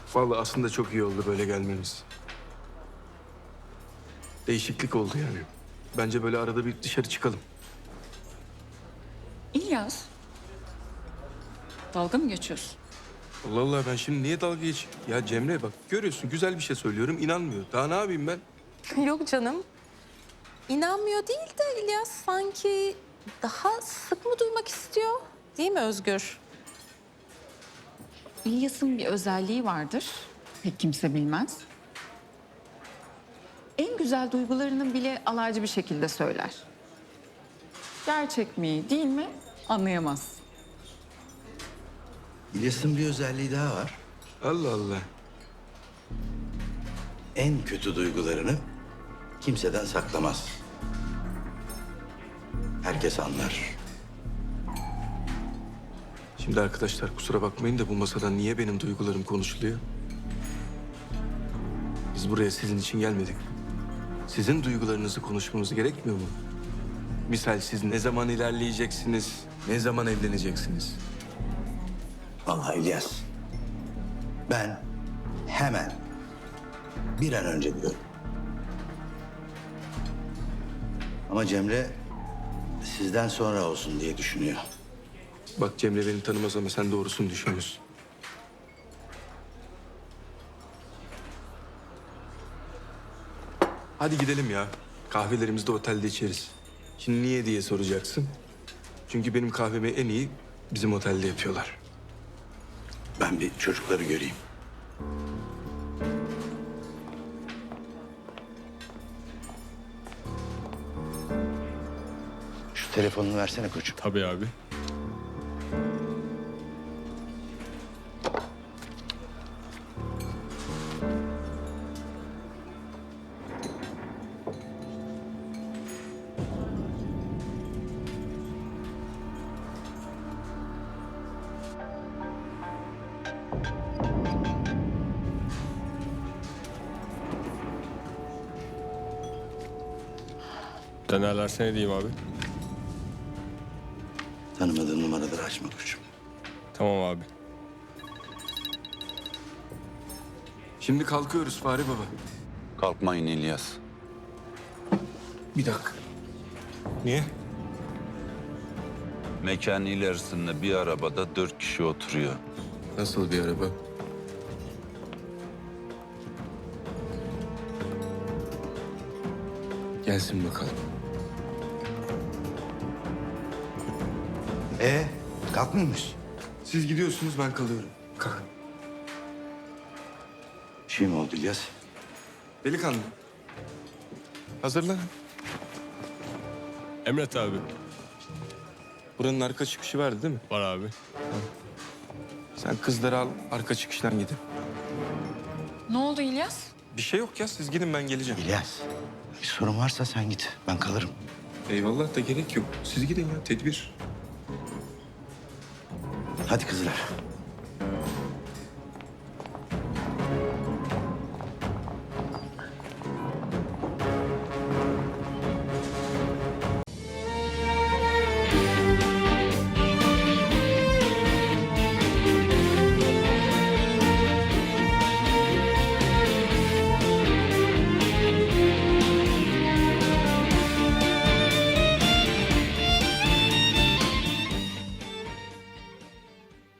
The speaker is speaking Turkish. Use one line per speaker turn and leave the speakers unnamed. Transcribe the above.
Vallahi aslında çok iyi oldu böyle gelmemiz. Değişiklik oldu yani. Bence böyle arada bir dışarı çıkalım.
İlyas, dalga mı geçiyorsun?
Allah Allah, ben şimdi niye dalga geçeyim? Ya Cemre bak, görüyorsun güzel bir şey söylüyorum, inanmıyor. Daha ne yapayım ben?
Yok canım. İnanmıyor değil de İlyas sanki daha sık mı duymak istiyor? Değil mi Özgür?
İlyas'ın bir özelliği vardır. Pek kimse bilmez. En güzel duygularını bile alaycı bir şekilde söyler. Gerçek mi, değil mi anlayamaz.
İlyas'ın bir özelliği daha var.
Allah Allah.
En kötü duygularını kimseden saklamaz. Herkes anlar.
Şimdi arkadaşlar kusura bakmayın da bu masada niye benim duygularım konuşuluyor? Biz buraya sizin için gelmedik. Sizin duygularınızı konuşmamız gerekmiyor mu? Misal siz ne zaman ilerleyeceksiniz, ne zaman evleneceksiniz?
Vallahi İlyas, ben hemen bir an önce diyorum. Ama Cemre sizden sonra olsun diye düşünüyor.
Bak Cemre beni tanımaz ama sen doğrusunu düşünüyorsun. Hadi gidelim ya. Kahvelerimizi de otelde içeriz. Şimdi niye diye soracaksın. Çünkü benim kahvemi en iyi bizim otelde yapıyorlar.
Ben bir çocukları göreyim. Şu telefonunu versene koçum.
Tabii abi. Denerlerse ne diyeyim abi?
Tanımadığın numaraları açma koçum.
Tamam abi.
Şimdi kalkıyoruz Fahri Baba.
Kalkmayın İlyas.
Bir dakika. Niye?
Mekanın ilerisinde bir arabada 4 kişi oturuyor.
Nasıl bir araba? Gelsin bakalım.
Kalkmıyor musun?
Siz gidiyorsunuz, ben kalıyorum. Kalk.
Bir şey mi oldu İlyas?
Delikanlı. Hazırlan.
Emret abi.
Buranın arka çıkışı vardı değil mi?
Var abi.
Sen kızları al, arka çıkıştan gidin.
Ne oldu İlyas?
Bir şey yok ya, siz gidin ben geleceğim.
İlyas, bir sorun varsa sen git. Ben kalırım.
Eyvallah da gerek yok. Siz gidin ya, tedbir.
Hadi kızlar.